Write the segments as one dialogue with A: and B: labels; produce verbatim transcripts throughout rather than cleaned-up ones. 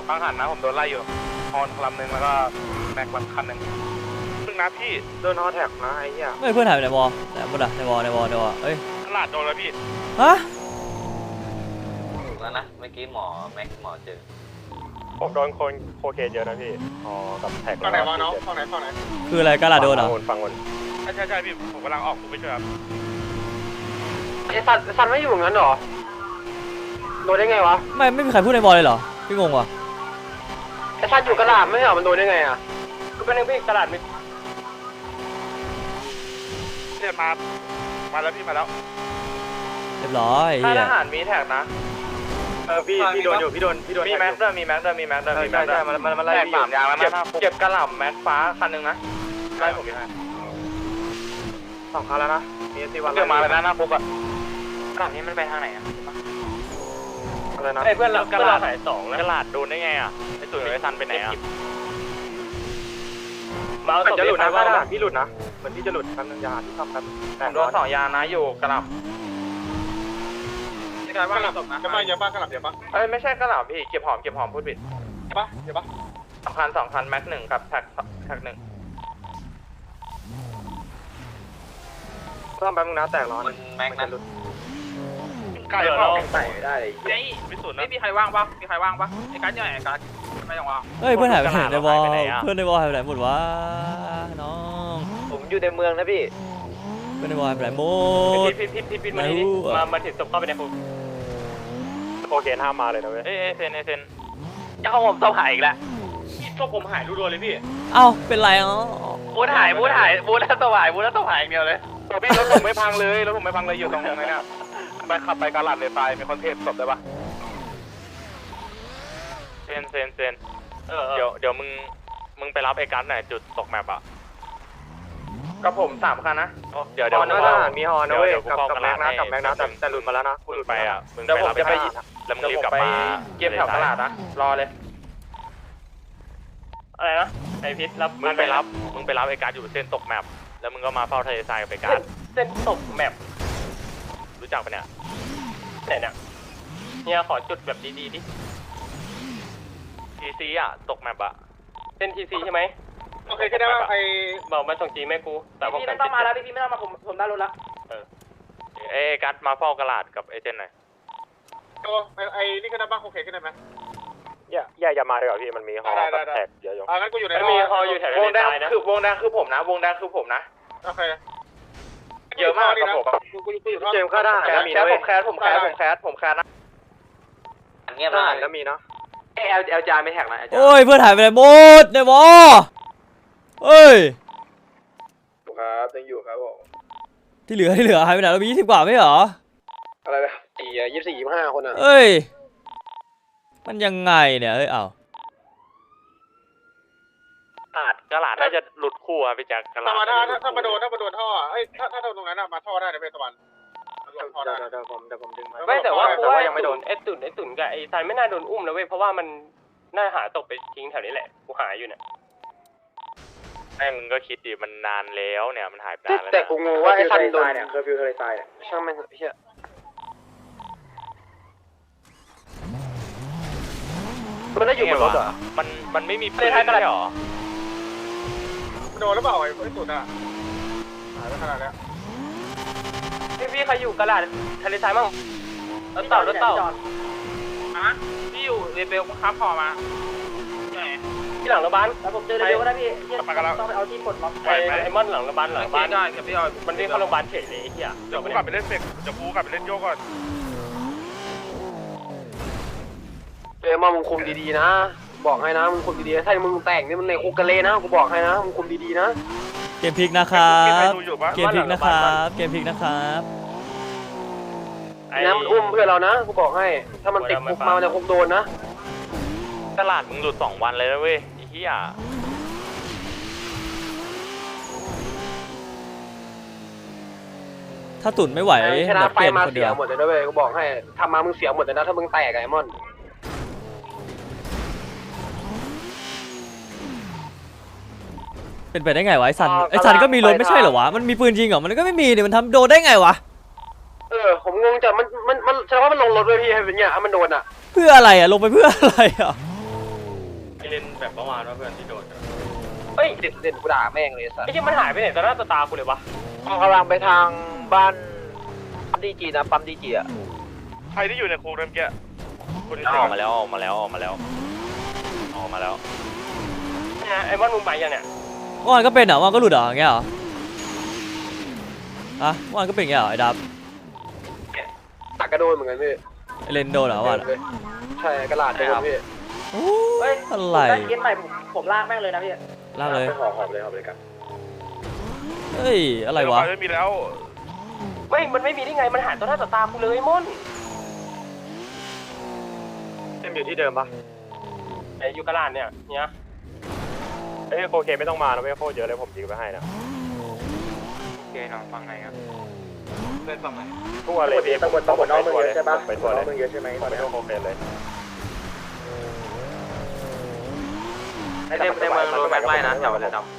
A: บางหันนะผมโดนไล่อยู่ฮอนลำหนึ่งแล้วก็แม็กวันคันหนึ่งซึ่งนะพี่โดนฮอแท็กนะไอ้เหี้ย
B: เฮ้ยเพื่อนหายไปไหนวอไหนหมดอะในวอในวอในวอเอ้ย
A: ตลาดโดนแล้วพี่
B: ฮะ
C: ถูกแล้วนะเมื่อกี้หมอแม็กหมอเจอ
A: ผมโดนคนโคเคนเยอะนะพี่อ๋อกับแท็กฝั่งไหนวะน้องฝั่งไหนฝั่งไหน
B: คืออะไรกาลาโดนเหรอ
A: ฝั่งบนใช่ใช่ใช่พี่ผมกำลังออกผมไปช่วยครับ
D: ไอ้สันสันไม่อยู่งั้นหรอโดนได้ไงวะ
B: ไม่ไม่มีใครพูดในวอเลยเหรอพี่งงว่ะ
D: ไอ้สันอยู่กระดาษไม่ใช่หรอมันโดนได้ไงอ่ะก็เป็นเรื่องพี่กระดาษไม่
A: เรียนมามาแล้วพี่มาแล้ว
B: เรียบร้อย
D: ถ้าทหารมีแท็กนะ
A: เออพี่พี่โดนอยู่พี่โดนพี่โดน
D: มีแม็กด้วยมีแม็กด้วยมีแม็กด้วยมีแม็กด้วยมันมันมันไล่สามยางแล้วมันเก็บกระหล่ำแม็กฟ้าคันหนึ่งนะไล่ผมยังไงสองคันแล้วนะมีสี่วันเดี๋ยวมาแล้วนะหน้าปุ๊กอะกระหล่ำนี้มันไปทางไหนอะอะไรนะไอ้เพื่อนเรากระหล่ำสายสองนะกระหล่ำโดนได้ไงอะไอ้ตุ๋ยไอ้ซันไปไหนอะมาเอาจะหลุดนะพี่หลุดนะเหมือนพี่จะหลุดแป๊บนึงยาที่ทำกันผมโดนสองยานะอยู่กระหล่ำกระหล่ำจะมาเยอะป่ะกระหล่ำเยอะป่ะเอ้ยไม่ใช่กระหล่ำพี่เก็บหอมเก็บหอมพูดผิดเยอะป่ะเยอะป่ะสองพันสองพันแม็กหนึ่งกับแท็กแท็กหนึ่งต้องแป๊บนึงนะแตกร้อนแม็กนั้นไก่เปล่าใส่ได้ไอ้ไม่สุดนะไม่มีใครว่างป่ะมีใครว่างป่ะไอ้การ์ดยังไงการ์ดไม่ต้องว่าง
B: เฮ้ยเพื่อนหายไปไหนในวอเพื่อนในวอหายไปไหนหมดวะน้อง
D: ผมอยู่ในเมืองนะพี่
B: เพื่อนในวอหายไปไหนหมด
D: พี่พี่พี่พี่มาดิมามาถึงศพเข้าไปในคุก
A: โอเคห้ามมาเลยนะเว้ย
D: เอ้ยเซนเซนจะเอาผมศพหายอีกแล้วศพผมหายรัวๆเลยพี่
B: เอ้าเป็นไรอ๋อ
D: บูธหายบูธหายบูธแล้วศพหายบูธแล้วศพหายอย่างเดียวเลย
A: พี่รถผมไม่พังเลยรถผมไม่พังเลยอยู่ตรงไหนเนี่ยไปขับไปกาลาดเลยตายมีคอนเทนต์ศพได้ปะ
D: เซนเซนเซน
C: เดี๋ยวเดี๋ยวมึงมึงไปรับไอ้กัสหน่อยจุดตกแมปอ่ะ
D: กับผมสามคันนะ
C: เดี๋ยวเดี๋ยว
D: มีฮอนนะเว้ยกับกับแม็กนะกับแม็กนะแต่แต่หลุดมาแล้วนะ
C: มึงไปอ่ะมึง
D: ไปรับไป
C: แล้วมึงรีบกลับมา
D: เก็บแถวตลาดนะรอเลยอะไรนะไอพิษรับ
C: มึงไปรับมึงไปรับไอ้กัสอยู่เส้นตกแมปแล้วมึงก็มาเฝ้าทะเลทรายกับไอ้กัส
D: เส้นตกแมป
C: รู้จักปะเนี่ย
D: ไหนเนี่ยเนี่ยขอจุดแบบดีๆดิ
C: ทีซีอ่ะตกแมปอ่ะ
D: เส้นทีซีใช่ไหมโอเคก็ได้ว่าไอ้บอกมาส่งจีแม่กูแต่พี่ไม่ต้องมาแล้วพี่ไม่ต้องมาผมผมได้รถละ
C: เออเอ้กัสมาเฝ้ากระดาษกับไอ้เจนหน่อย
A: โอ้ไอ้นี่ก็ได้บ้างโอเคก็ได้ไหมอย่าอย่าอย่ามาเลยเหรอพี่มันมีฮอลแท็กเยอะอยู่
D: อ่างั้นกูอยู่ในมีฮออยู่แถววงแดงคือวงแดงคือผมนะวงแดงคือผมนะ
A: โอเค
D: เยอะมากครับผมเจมส์ข้าได้แคสผมแคสผมแคสผมแคสผมแคสนะ
C: เงียบเลย
D: ก็มีเนาะเอลเอลจาไม่แท็กนะ
B: โอ้ยเพื่อนหายไปไหนหมดในวอเอ้ย
A: ครับยังอยู่ครับผม
B: ที่เหลือที่เหลือหายไปไหนเรามียี่สิบกว่าไม่เหรอ
A: อะไรนะสี่ยี่สิบสี่ยี่สิบห้าคนอ่ะ
B: เอ้ยมันยังไงเนี่ยเอ้ยเอา
C: อาจกระหลาดน่าจะหลุดคู่อะพี่แจ็คกระหลาด
A: ถ้าถ้าถ้ามาโดนถ้ามาโดนท่อเอ้ยถ้าถ้าโดนตรงนั้นอะมาท่อได้ในเพชรตะวันเดี๋ยวผมเดี๋ยวผมดึงมา
D: ไม่แต่ว่าแต่ว่ายังไม่โดนไอ้ตุ่นไอ้ตุ่นกับไอ้ซันไม่น่าโดนอุ้มนะเว้ยเพราะว่ามันน่าหาตกไปทิ้งแถวนี้แหละกูหาอยู่เนี่ย
C: แม่งมึงก็คิดดิมันนานแล้วเนี่ยมันหายไปนานแล้ว
D: แต่กูงงว่าไอ้ซันโดนเนี่ยเคอร์ฟิวทะเลทรายเนี่ยช่างมันเฮียมันได้อยู่บนรถเหรอ
C: มันมันไม่มีปืนใช่หรอ
A: โดนหรือเปล่าไอ้ตุ่นอะหายไปขนาดนี้
D: พี่พี่ใครอยู่กระดาษทะเลทรายมั่งรถเต่ารถเต่าฮะพี่อยู่เรเบลครับพอมาที่หลังโรงพยาบาลแล้วผมเจอเรเบลก็ได้พี่ต้องไปเอาที่ปลดล็อกไอ้มอนหลังโรงพยาบาลหลังบ้านได้ครับพี่เอามันเรียกเข้าโรงพยาบาลเฉยเลยไอ้เหี้ย
A: เดี๋ยวกูกลับไปเล่นเสร็จเดี๋ยวกูกลับไปเล่นโยกก่อน
D: เออมามึงคุมดีๆนะบอกให้นะมึงคุมดีๆถ้ามึงแต่งนี่มันในคุกกันเลยนะกูบอกให้นะมึงคุมดีๆนะ
B: เกมพลิกนะครับเกมพลิกนะครับเกมพลิกนะครับ
D: น้ำมันอุ้มเพื่อนเรานะกูบอกให้ถ้ามันติดคุกมามันจะคุกโดนนะ
C: ตลาดมึงหลุดสองวันเลยนะเว้ยไอ้เหี้ย
B: ถ้าตุ่นไม่ไหว
D: ชนะไฟมาเสียหมดเลยนะเว้ยกูบอกให้ทำมามึงเสียหมดเลยนะถ้ามึงแตกไอ้มอน
B: เป็นไปได้ไงวะไอ้ซันไอ้ซันก็มีรถไม่ใช่เหรอวะมันมีปืนจริงเหรอมันก็ไม่มีเนี่ยมันทำโดนได้ไงวะ
D: เออผมงงจังมันมันมันแสดงว่ามันลงรถด้วยพี่ให้เป็นเงี้ยมันโดนอ่ะ
B: เพื่ออะไรอ่ะลงไปเพื่ออะไรอ่ะ
C: เล่นแบบเมื่อวานว่าเพื่อนที่โดน
D: เฮ้ยเด่นเด่นกูด่าแม่งเลยสัสไอ้ที่มันหายไปไหนตอนหน้าตากูเลยวะกำลังไปทางบ้านปั๊มดีจีนะปั๊มดีจีอะ
A: ใครที่อยู่ในคุกเมื่อกี้คุณ
C: ออกมาแล้วออกมาแล้วออกมาแล้วออกมาแล้ว
D: เนี่ยไอ้บ้านมึงไปยังเนี่ย
B: เมื่อวานก็เป็นเหรอเมื่อวานก็หลุดเหรออย่างเงี้ยเหรออะเมื่อวานก็เป็นอย่างเงี้ยเหรอไอ้ดับ
D: ตักกระโดดเหมือนกันพี่
B: ไอ้เลนโดนเหรอเมื่อวานอะ
D: ใช่กระดาษโดนพี่
B: โอ้ยอะไร
D: เย็นใหม่ผมผมลากแม่งเลยนะพี่
B: ลากเลย
D: หอบหอบเลยหอบเลยกัน
B: เฮ้ยอะไรวะ
A: ไม่มีแล้ว
D: ไม่มันไม่มีได้ไงมันหายตอนหน้าต่อตากูเลยม่อนเต็มอยู่ที่เดิมปะไอ้ยูกระลานเนี่ยเนี่ยเอ้ยโอเคไม่ต้องมานะไม่โคตรเยอะเลยผมยิงไปให้นะ
C: โอเคน้องฟังไหนครับ
D: เล่นฝั่งไหนทั่วเลยพี่ตำรวจตำรวจน้องมึงเยอะใช่ปะไปทั่วเลยมึงเยอะใช่ไหมตอนนี้โคเคนเลยในในเมืองโดนแม็กไล่นะจับเลยดำ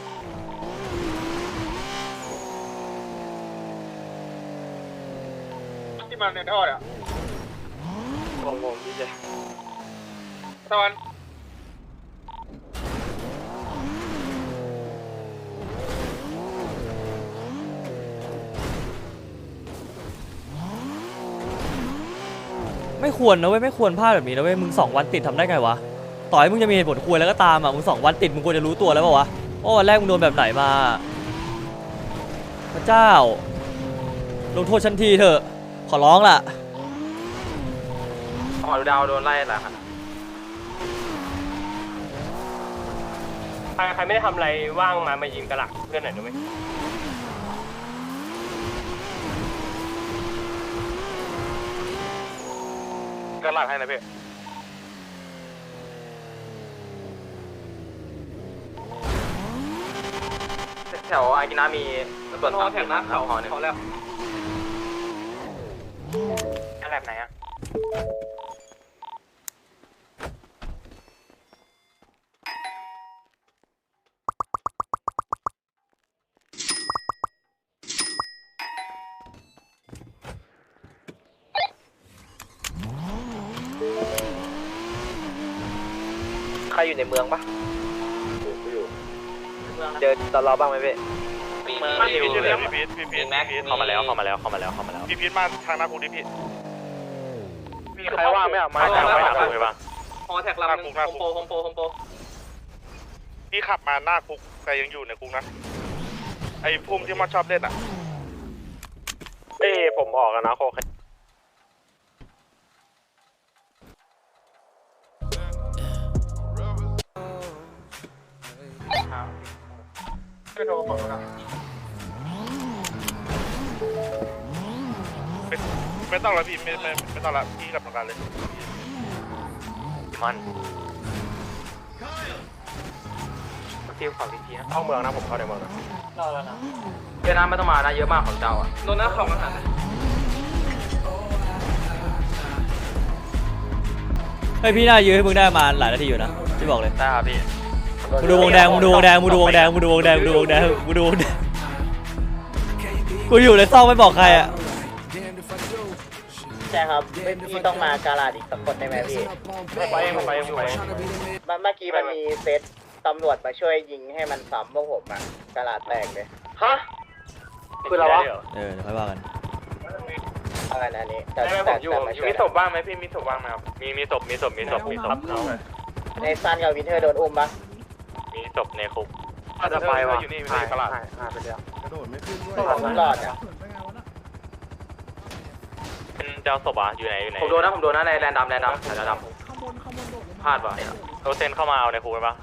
D: ที่มันในท่อเนี่ยงงงพี่เจตะวัน
B: ไม่ควรนะเว้ยไม่ควรพลาดแบบนี้นะเว้ยมึงสองวันติดทำได้ไงวะต่อให้มึงจะมีเหตุผลควรแล้วก็ตามอ่ะมึงสองวันติดมึงควรจะรู้ตัวแล้วเปล่าวะว่าวันแรกมึงโดนแบบไหนมาพระเจ้าลงโทษฉันทีเถอะขอร้องล่ะ
C: อ๋อดูดาวโดนไล่แล้วครับ
D: ใครใครไม่ได้ทำอะไรว่างมามายิงกระหลักเพื่อนหน่อยได้ไหม
A: ก็ลากให้นะพี่
C: แถวอากินามีตำรวจตามแถวนั้นเขาหอหนึ่ง
D: แล้ว
C: อะไรแบบไหนอ่ะ
D: ใครอยู่ในเมืองปะอยู่เจอตลอบ้างไหมพี่
C: มีเมือง
A: พี่
C: อยู่
A: พีทอยู่
C: เล
A: เลย
C: ย
A: พี่พีทพี่พี
C: มี
A: ท
C: แม็ก
A: พี่พีท
C: เข้ามาแล้วเข้ามาแล้วเข้ามาแล้วเข้ามาแล้ว
A: พี่พีทมาทางหน้าคุกดิพี่
D: มีใครว่างไหมอ่ะ
C: ไม่ได้ไม่ได้คุยป่ะ
D: ฮอแท็กลำนึงโฮมโปรโฮมโปรโฮมโปร
A: พี่ขับมาหน้าคุกแต่ยังอยู่ในคุกนะไอ้พุ่มที่มันชอบเล่นอ่ะ
D: เอ้ผมออกแล้วนะโคเคไม่โทรบอกนะ
A: ไม่ไม่ต้องแล้วพี่ไม่ไม่ไม่ต้องละพี่กลับทำงานเลย
C: มันฟิวของพีพีนะ
D: เข้าเมืองนะผมเข้าในเมืองนะ
C: รอแล้วนะเยอะนะไม่ต้องมานะเยอะมากของเจ้าอ่ะ
D: โดนหน้าของอาหาร
B: เฮ้ยพี่น่ายื้อให้มึงได้มาหลายนาทีอยู่นะพี่บอกเลย
C: ได้ครับพี่
B: มึงดูวงแดงมึงดูวงแดงมึงดูวงแดงมึงดูวงแดงมึงดูวงแดงมึงดูวงแดงกูอยู่ในซองไม่บอกใครอ่ะ
E: ใช่ครับไม่พี่ต้องมาการาดอีกสักคนได้ไหมพี่
D: ไปเองไปเองไปเอง
E: เมื่อกี้มันมีเซตตำรวจมาช่วยยิงให้มันซ้ำพวกผมอะการาดแตกเลย
D: ฮะคืออะไรวะ
B: เออเดี๋ยวค่อยว่ากัน
E: อะไรนะอันนี้แต่
C: ได้ไหมผ
E: แต่
C: มอยู่
E: แต่มาช่วย
C: มีศพบ้างไหมพี่มีศพบ้างไหมครับมีมีศพมีศพมีศพมีศพ
E: ในซันกับวินเทอร์โดนอุ้มปะ
C: มีศพในคุก
A: อาจจะไปว่ะอยู่นี่ไม่ได้ตลาด
D: ไปเดียว
E: ผมรอดอะ
C: เป็นเจ้าศพอ่ะอยู่ไหนอยู่ไหนผมโดนนะผมโดนนะในแลนดำแลนดำแลนดำพลาดว่ะโรเซนเข้ามาเอาในคุกไปปะ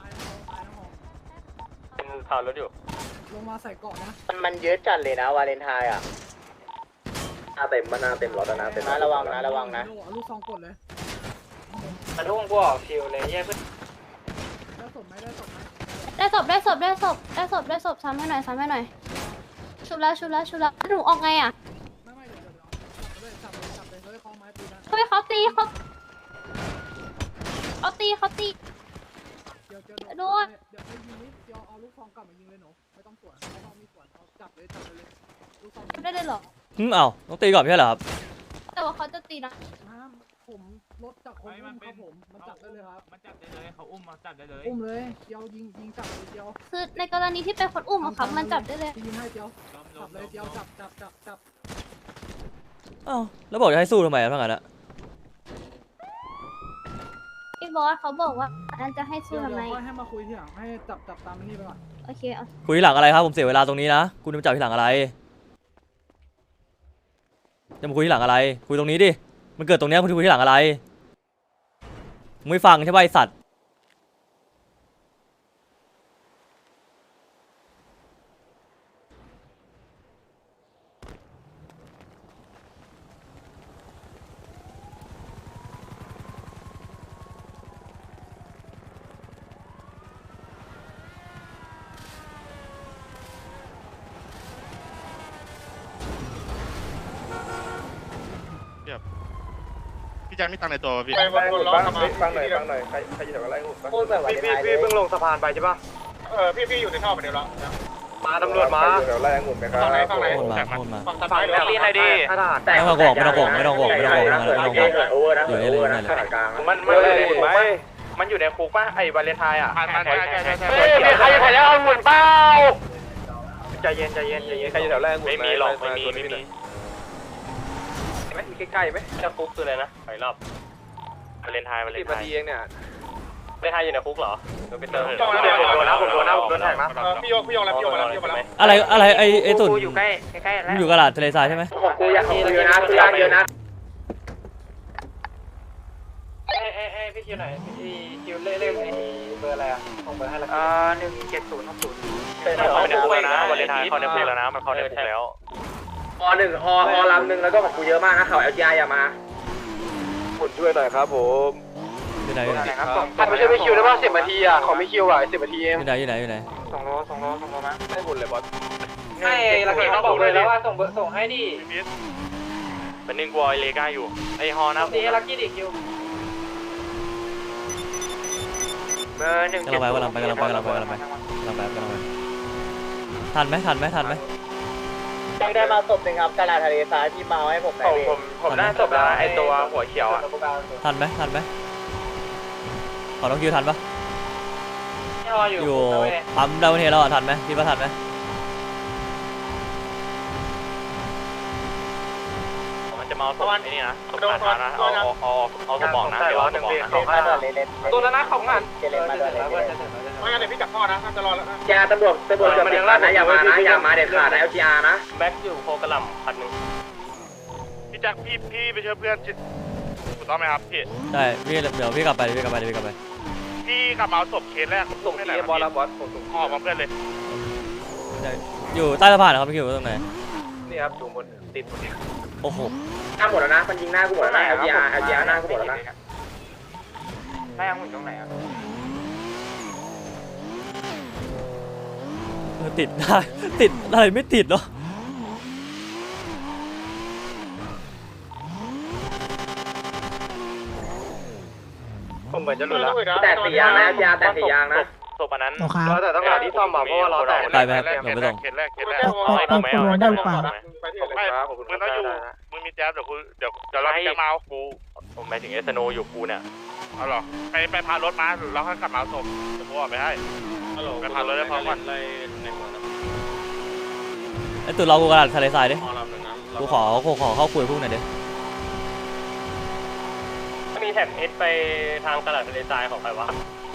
C: เป็นข่าวรถอยู่
F: ลงมาใส่เกาะนะ
E: มันมันเยอะจัดเลยนะวาเลนไทน์อะ
D: หน้าเต็มมันหน้าเต็มรถนะเต็ม
E: นะระวังนะระวังนะ
F: เอาลูกซองกดเลย
D: มันทุ่งกูออกคิวเลยแย่เพื่อน
F: ได้ศพไหมได้ศพไหม
G: ได้ศพได้ศพได้ศพได้ศพได้ศพซ้ำให้หน่อยซ้ำให้หน่อยชุบแล้วชุบแล้วชุบแล้วหนูออกไงอ่ะ
F: ไม่ไม่เดี๋ยวเดี๋ยวเดี๋ยวจับเลยจับเลยจับเลยเฮ้ยคอไม้ตีนะ
G: เฮ้ยเขาตีเขาเขาตีเขาตี
F: เดี๋ยวเดี๋ยว
G: โดน
F: เดี๋ยวให้ยิงนิดเดี๋ยวเอาลูกซองกลับมายิงเลยหนูไม่ต้องสวนไม่ต้องมีสวนเอาจับเลยจับเลยลูกซอง
G: ได้เลยเหรอ
B: อืมเอ้าต้องตีก่อนไม่ใช่เหรอครับ
G: แต่ว่าเขาจะตีนะ
F: ห้ามผมรถจากคนอุ้มครับผมมันจับได้เลยครับ
D: มันจับได้เลยเขาอุ้มมาจับได้เลย
F: อุ้มเลยเดียวยิงยิงจับเลยเดียว
G: คือในกรณีที่เป็นคนอุ้มอะครับมันจับได้เลย
F: ยิงให้เดียวจับเลยเดียวจับจับจับจับ
B: อ้าวแล้วบอกจะให้สู้ทำไมอะทั้งนั้นอะ
G: พี่บอสเขาบอกว่าอันจะให้สู้
F: เดี๋ยว
G: ทำไม
F: เดี๋ยวค่อยให้มาคุยทีหลังให้จับจับตามนี่ไปก่อน
G: โอเคเอา
B: คุยทีหลังอะไรครับผมเสียเวลาตรงนี้นะคุณจะมาจับทีหลังอะไรจะมาคุยทีหลังอะไรคุยตรงนี้ดิมันเกิดตรงเนี้ยคุณจะคุยทีหลังอะไรมึงไม่ฟังใช่ไหมไอ้สัตว์
A: พี่แจ็คมีตังค์ในตัวพี่
D: ไปวันคนร้อนมาฟังหน่อยฟังหน่อยใครใครอยู่แถวไรหุ่น
E: พูดแบบวัน
D: พี่
E: ไท
D: พี่
E: ยเล
D: พี่
E: ย
D: เพิ่งลงสะพานไปใช่ปะเออพี่พี่อยู่ในท่อไปเดี๋ยวแล้วมาตำรวจมาแถวไรหุ่นไปครับฝั่งไหนฝั่งไหน
B: โอนมาโอนมา
D: ฝั่งสะพานเดี๋ยวรีนหน่อยดิ
B: ไม่ต้องบอกไม่ต้องบอกไม่ต้องบอกไม่ต้องบอกไม่ต้องบอกไม่ต้องบอก
E: โอเวอร์นะ
B: อยู่ใน
E: โอ
B: เล
E: เวอย ร์นะ
B: นั่นแหละ
D: มันมันหุ่นไหมมันอยู่ในคุกป่ะไอ้วาเลนไทน์อ่ะใช่ใช่ใช่ใช่เฮ้ยมีใครอยู่แถวไรหุ่นเปล่าใจเย็นใจเย็นใจเย็นใครอยู่แถวไรหุ่นไม่มีหรอกไม่มีไม่มีไหมมีใกล้ๆไหมจะคุกคืออะไรนะไปรอบวาเลนไทน์วาเลนไทน์สิบนาทีเองเนี่ยไม่ไทยอยู่ในคุกเหรอเดี๋ยวไปเติมผมโดนนะผมโดนนะผมโดนแทงนะพี่โยพี่โยแล้วพี่โยมาแล้วพี่โยมาแล้ว
B: อะไรอะไรไอ้ไอ้ตุ่น
D: อยู่ใกล้ใกล้ๆ
B: มึ
D: แล้
B: ง
D: ว
B: อยู่กระดาษทะเลทรายใช่ไหม
E: ของกูยังมีเยอะนะกูยังเยอะนะ
D: เอ้เอ้เอ้พี่คิวไหนพี่คิวเล่เล่ไอ้เบอร์อะไรอ่ะส่งเบอร์ให้ละอ่าหนึ่งเจ็ดศูนย์หกศูนย์เขาในคุกแล้วนะวาเลนไทน์เขาในคุกแล้วนะมันเขาในคุกแล้ว
E: ฮอหนึ่งฮอฮอลำหนึ่งแล้วก็ของกูเยอะมากนะเขา แอล จี ไอ อย่ามา
D: คุณช่วยหน่อยครับผม
B: อยู่ไหนอยู่ไหน
D: ไม่ใช่พี่คิวได้ป่ะสิบนาทีอ่ะของพี่คิวอ่ะสิบนาทีเอง
B: อยู่ไหนอยู่ไหนอยู่ไหน
D: ส่งโลส่งโลส่งโลมาไม่หุ่นเลยบอสให้ลักกี้เขาบอกเลยแล้วว่าส่งเบอร์ส่งให้ดิ
C: เป็นนึงกลัวเลก้าอยู่ไอฮอนะ
D: นี่ลักกี้ดิคิวเบอร์หนึ่ง
B: กำลังไปกำลังไปกำลังไปกำลังไปกำลังไปกำลังไปกำลังไปทันไหมทันไหมทันไหม
E: ยังได้มาศพหนึ่งครับกระดาษทะเลทรายที่มาให้ผมหน่
D: ผ
E: อย
D: มผมผมได้ศพแล้วไอตัวหัวเขียวอ่ะ
B: ทันไหมทันไหมขอน้องคิวทันปะ
D: ที่รออยู่
B: อยู่ปั๊มดาวเทแล้วอ่ะทันไหมคิดว่าทันไหม
C: มันจะมาเอาศพไอ้นี่นะศพขาดนะเอาเอาเอาเอาศพบอกนะเดี๋ยวเอาศพบอกนะ
E: มาด้วยเลยเล่น
D: ตัวแล้วนะของงาน
E: เจเลนมาด้วยเลย
D: ไม่งั้นเดี๋ยวพี่จับพ่อนะจะรอแล้ว
E: แกตำรวจตำรวจเกือบติดนะอย่ามานะอย่ามาเด็ดขาดนะ แอล จี อาร์ นะ
C: แบ็คอยู่โคกระหล่ำพันหนึ่ง
A: พี่แจ็คพี่พี่ไปช่วยเพื่อนถูกต้องไหมครับพี่
B: ได้พี่เดี๋ยวพี่กลับไปเดี๋ยวพี่กลับไปเดี๋ยวพี่กลับไป
A: พี่กลับมาเอาศพเคสแรก
D: ส่งที่บอลแล้วบอสผมส่ง
A: ห่อมาเพื่อนเลย
B: ได้อยู่ใต้สะพานนะครับพี่คิวตรงไหน
D: นี่ครับอยู่บนติดบนนี้
B: โอ้โห
E: หน้าหมดแล้วนะมันยิงหน้ากูหมดแล้วนะ แอล จี อาร์ แอล จี อาร์ หน้ากูหมดแล้วนะ
D: หน้ายังหุ่นตรงไหนอ่ะ
B: เออติดได้ติดอะไรไม่ติดเนาะ
D: ผมเหมือนจะหลุดแล้ว
E: แตกสี่ยางนะ แอล จี อาร์ แตกสี่ยางนะ
C: ศพอันนั้น
D: เราแต่ต้องหาที่ซ่อมอ่ะเพราะว่าเราแตก
B: ไปไหมครับเดี๋ยวไปส่ง
A: เคสแรกเคสแรก
C: ไม่ผมไม่เอาได้หรือเปล่า
D: ไปที่
A: ไม่มึงต้องอยู่มึงมีแจ๊บเดี๋ยวกูเดี๋ยวเดี๋ยวเราจะมาเอากู
C: ผมหมายถึงเอสโนอยู่กูเนี่ย
A: เอาหรอไปไปพารถมาแล้วค่อยกลับมาเอาศพเดี๋ยวกูออกไปให้ไปพารถได้พร้อมกัน
B: ไอ้ตุ่นเรากูกระดาษทะเลทรายดิกูขอกูขอเข้าคุยพวกหน่อยดิ
C: มีแท็กเอสไปทางตลาดทะเลทรายของใครวะ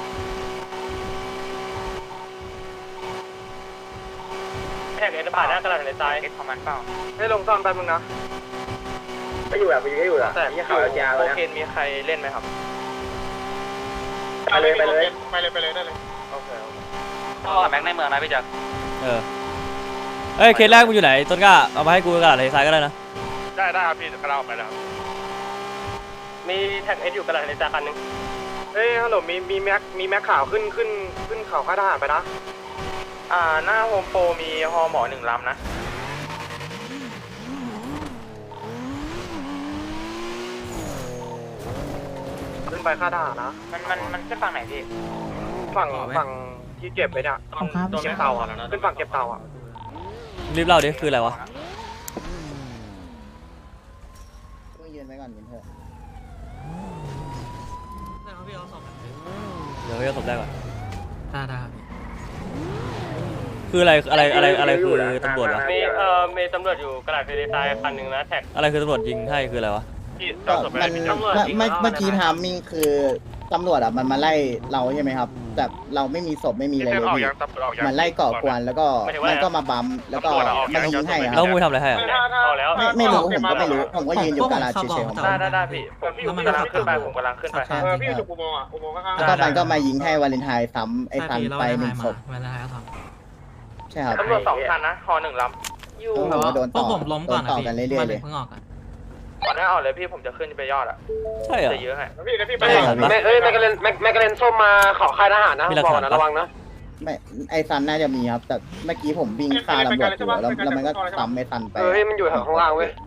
C: แท็กเอสผ่านหน้าตลาดทะเลทรายเอสของมันเปล่า
D: ให้ลงซ่อมแป๊บนึงนะ
E: ไม่อยู่อ่ะไปอยู่อยู่อ่ะ
D: แต่
E: นี่เขา แอล จี อาร์
D: โอ
E: เลยนะ
D: เคนมีใครเล่นไหมครับ
E: ไปเลยไปเลย
D: ไปเลยไปเลยได้เลยโอเค
C: ก็แม็กในเมืองนะพี่จักร
B: เออเอ้ยเคสแรกมึงอยู่ไหนต้นกล้าเอามาให้กูกระดาษทะเลทรายก็ได้นะ
A: ได้ได้ครับพี่กระเราไปแล้ว
C: มีแท็กเอสอยู่กระดาษทะเลทรายคันนึง
D: เฮ้ยฮัลโหลมีมีแม็กมีแม็กข่าวขึ้นขึ้นขึ้นเขาค่ายทหารไปนะอ่าหน้าโฮมโปรมีฮอหมอหนึ่งลำนะขึ้นไปค่ายทหารนะมันมันมันขึ้นฝั่งไหนพี่ฝั่งฝั่งที่เก็บไปเนี่ยตรงเก็บเตาอ่ะขึ้นฝั่งเก็บเตาอ่ะ
B: รีบเล่าดิคืออะไรวะ
E: ต้องยืนไว้ก่อนยืนเถอะ
B: เดี๋ยวพี่เอาศพได้ก่อน
F: ได้ได้ครับ
B: คืออะไรอะไรอะไรอะไรคือตำรวจวะ
C: มีเอ่อมีตำรวจอยู่กระดาษเฟรนไซน์คันหนึ่งนะแท็ก
B: อะไรคือตำรวจยิงให้คืออะไรวะ
A: พี่จ
E: ก็
A: อดศพไป
E: มัน
A: พี่
E: เมื่อเมื่อเมื่อกี้ทามมิ่งคือตำรวจอ่ะมันมาไล่เราใช่ไหมครับ แต่เราไม่มีศพไม่มี
A: พี่
E: อะไร
A: เส้น
E: เลย
A: ออก
E: พี่
A: ยังตำรวจออกยัง
E: มันไล่ก่อกวนแล้วก็มันก็มาบัมแล้วก็มายิงให้ค
B: แล้
E: รั
B: ว
E: บ
B: มึงทำอะไรให้อะ
C: เอาแล้ว
E: ไม่ไม่รู้ผมก็ไม่รู้ผมก็ยืนอยู่กาลาดเฉยๆของผม
C: ได้ได้ได้พี่ผมพี่กำลังขึ้นไปผมกำลังขึ้นไป
F: เออพี่อยู่อุโมงค์อ่ะอุโมงค์ข้าง
E: แล้วก็มันก็มายิงให้วาเลนไทน์ซ้ำไอ้ซันไปหนึ่งศพ
F: เวลาให้เขาท
E: ใช่ครับ
C: ตำรวจสองคันนะฮอหนึ่งล
E: อยู่ผมก็โดน
F: ำพว
E: ต่
F: ก
E: อ
F: ผมล้มก่อน
E: โด
F: นะ
E: ต่อ
F: พี่
E: กันเรื่อยๆเลย
F: เพิ่งออกอ่ะ
C: ำก่อนหน้าเอาเลยพี่ผมจะขึ้นไปยอดอ่ะ
B: ใช่เหรอ
C: จะเยอะให้
F: พี่พี่ไป
E: ใช่ครับพี่
D: เอ้ยแมกกาเลนแมกกาเลนส้มมาขอค่ายทหารนะ
B: มีหลัก
D: บอก
B: ฐาน
D: นะ
B: ปะ
D: ระวังนะ
E: ไม่ไอ้ซันน่าจะมีครับ แต่เมื่อกี้ผมวิ่งฆ่าตำรวจอยู่แล้วแล้วมันก็ซ้ำไอ้ซันไป
D: เออมันอยู่แถวข้างล่างเว้ย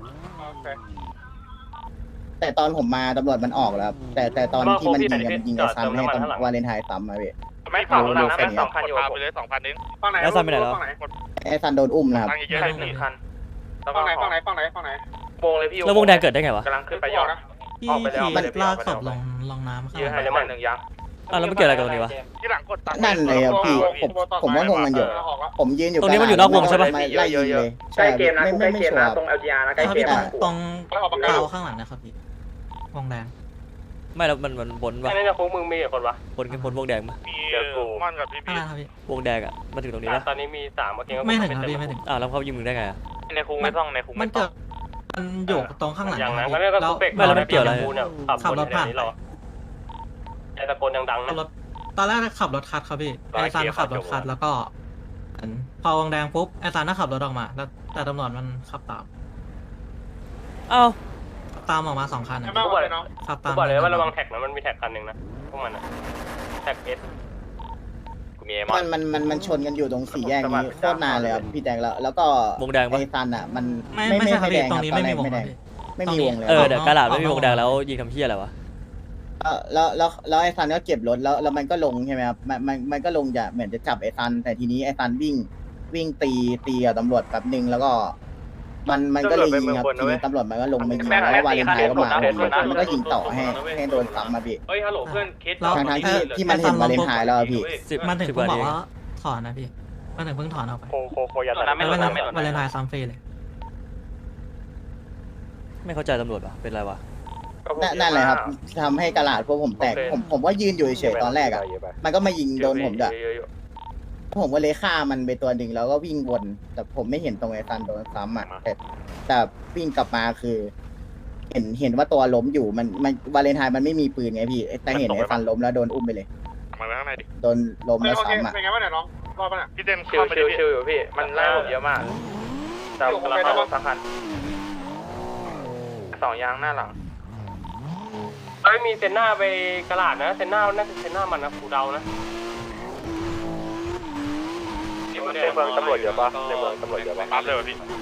E: แต่ตอนผมมาตำรวจมันออกแล้วครับแต่แต่ตอนที่มันยิงอะมันยิงไอ้ซันให้ตำวาเลนไทน์ซ้ำมาพี่
C: แม็กสองคันนะแม็กสองคันอยู่
A: พาไปเลยสองพันนึง
F: ฝั่งไหน
B: แล้วซันไปไหนแล้ว
E: ไอ้ซันโดนอุ้มนะครับ
A: ตังค์เยอะ
C: ใช่
A: ๆเลย
C: หนึ่งคันแล้วก็
F: ฝั่งไหนฝั่งไหนฝั่งไหนฝั่งไหน
C: วงเลยพี่
B: แล้ววงแดงเกิดได้ไงวะ
C: กำลังขึ้นไปยอด
F: พี่
C: ออกไปแล้ว
F: ขี่ลากศพลงลงน้ำข้าง
C: เยอะ
F: ห
C: ให้
F: ลัง
C: เลยมันหนึ่งยัง
B: อ่ะแล้วมันเกี่ยวอะไรกับตรงนี้วะ
A: ที่หลังกดตังค์
E: นั่นเลยครับพี่ผมผมว่างงกันอยู่ ผมยืนอยู่
B: ตรงนี้มันอยู่นอกวงใช่ปะ
E: ไล่ยิงเลยใช่ไม่ไม่ไม่ชัวร์
D: ตรง แอล จี อาร์ นะใกล้
F: ครับ
D: เก
F: พี่
D: ม
F: ตรง
D: นะ
F: ตรงเตาข้างหลังนะครับพี่วงแดง
B: ไม่แล้วมันมันบนวะ
C: แค่นี้นะคุกมึงมีกี่คนวะ
B: บนบนวงแดงปะ
A: มีม่อนกับพี่
F: ข้าง
A: พี่
F: หน้าครับพี่
B: วงแดงอ่ะมาถึงตรงนี้ปะ
C: ตอนนี้มีสามเมื่อกี้
F: ไม่ถึงครับพี่ไม่ถึง
B: อ้าวแล้วเขายิงมึงได้ไงอ่ะ
C: ในคุกไม่ต้องในคุก
F: มั
C: ไม่
F: น
C: ต้
F: เกิ
C: อง
F: ดมันอยู่ตรงข้างหลัง
C: อย่าง
F: นะ
C: นั้น
F: พี่
C: ก็เรียกว่า
F: แล้ว
C: คุกเบรก
B: ไม่แล้วมันเกี่ยวอะไร
C: เนี่ยขับ
F: ขับรถผ่าน
C: นี้เราไอ้ตะโกนดังๆ
F: ขั
C: นะ
F: บรถตอนแรกขับรถคัดครับพี่
C: ร้อย
F: ไอซัน
C: เกียร์
F: ขับรถ
C: ขั
F: คั
C: บ
F: ด
C: จบ
F: แล้วก็เหมือนพอวงแดงปุ๊บไอซันก็ขับรถออกมาแล้วแต่ตำรวจมันขับตาม
B: อ้าว
F: ตามออกมาสองคันอะ
C: กูบอกเลย
F: ขับ
C: กู
F: ตาม
C: บอกเลยว่าระวังแท็กนะมันมีแท็กคันหนึ่งนะพวกมันอะแท็กเอสกูมีเอมอ
E: มัน นมันมันมันชนกันอยู่ตรงสี่แยกนี้โคตรนานเลยครับพี่แดงแล้วแล้วก็
B: วงแดงปะ
E: ไอ้ซันอ่ะมัน
F: ไม่
E: ไม่
F: ไม่
E: ไม่
F: ใช่ครับ
E: ไม่แด
F: พี่
E: ง
F: ต
E: ค
F: ร
E: รับ
F: งนี้
E: ตอน
F: ไม่
E: แร
F: มี
E: ก
F: วง
E: ไม่แดงไม่มีวงเลย
B: เออ
F: ออก
B: เดี๋ยวน
F: อก
B: กระดาษไม่มี
F: ออกนอก
B: วงแดงแล้วยิงทำเพี้ยอะไรวะ
E: เออแล้วแล้วแล้วไอ้ซันก็เก็บรถแล้วแล้วมันก็ลงใช่ไหมครับมันมันมันก็ลงจะเหมือนจะจับไอ้ซันแต่ทีนี้ไอ้ซันวิ่งวิ่งตีตีกับตำรวจแป๊บนึงแล้วก็ มันมันก็เลยยิงครับทีนี้ตำรวจมันก็ลงมายิงแล้ววาเลนไทน์ก็มามันก็ยิงต่อให้ให้โดนซ้ำมาพี่
C: เฮ้ยฮัลโหลเพื่อนคิด
F: แล้ว
E: ทั้งทั้งที่ที่มันเห็นวาเลนไทน์แล้วอะพี่
B: สิบ
F: มันถึง
B: สิบ
F: เพิ่ง
B: ก
F: บ
B: ว่า
F: อก
B: นี้
F: ว่าถอนนะพี่มันถึงเพิ่งถอนออกไป
C: โคโคโคยาตา
F: ไม่วาเลนวาเลนไทน์ซัมฟรีเลย
B: ไม่เข้าใจตำรวจวะเป็นไรวะ
E: นั่นนั่นแหละครับทำให้กระดาษพวกผมแตกผมผมว่ายืนอยู่เฉยๆตอนแรกอ่ะมันก็มายิงโดนผมด้วยผมก็เลยฆ่ามันไปตัวหนึ่งแล้วก็วิ่งวนแต่ผมไม่เห็นตรงไอ้ซันโดนซ้ำอ่ะแต่แต่วิ่งกลับมาคือ เห็นเห็นว่าตัวล้มอยู่มันมันวาเลนไทน์มันไม่มีปืนไงพี่แต่เห็นไอ้ซันล้มแล้วโดนอุ้มไปเลย
A: มาไว้ข้างในดิ
E: โดนล้มแล้วซ้ำอ่ะ
F: เป็นไงบ้างเนี่ยน้องรอดป่ะเนี่ย
A: พี่เต้น
C: ชิ
A: เข้าว ไป
C: ชิ
A: ดิ
C: ว
A: พี่
C: ชิวอยู่พี่มันไล่ผมเยอะมากแต่กำลังเข้าสักคันสองยางหน้าหลังเอ้ยมีเซนหน้าไปกระดาษนะเซนหน้าน่าจะเซนหน้ามันนะกูเดานะในเมืองตำรวจเยอะปะในเมืองตำรวจเยอะปะ
A: ปั๊บเลยวะพี่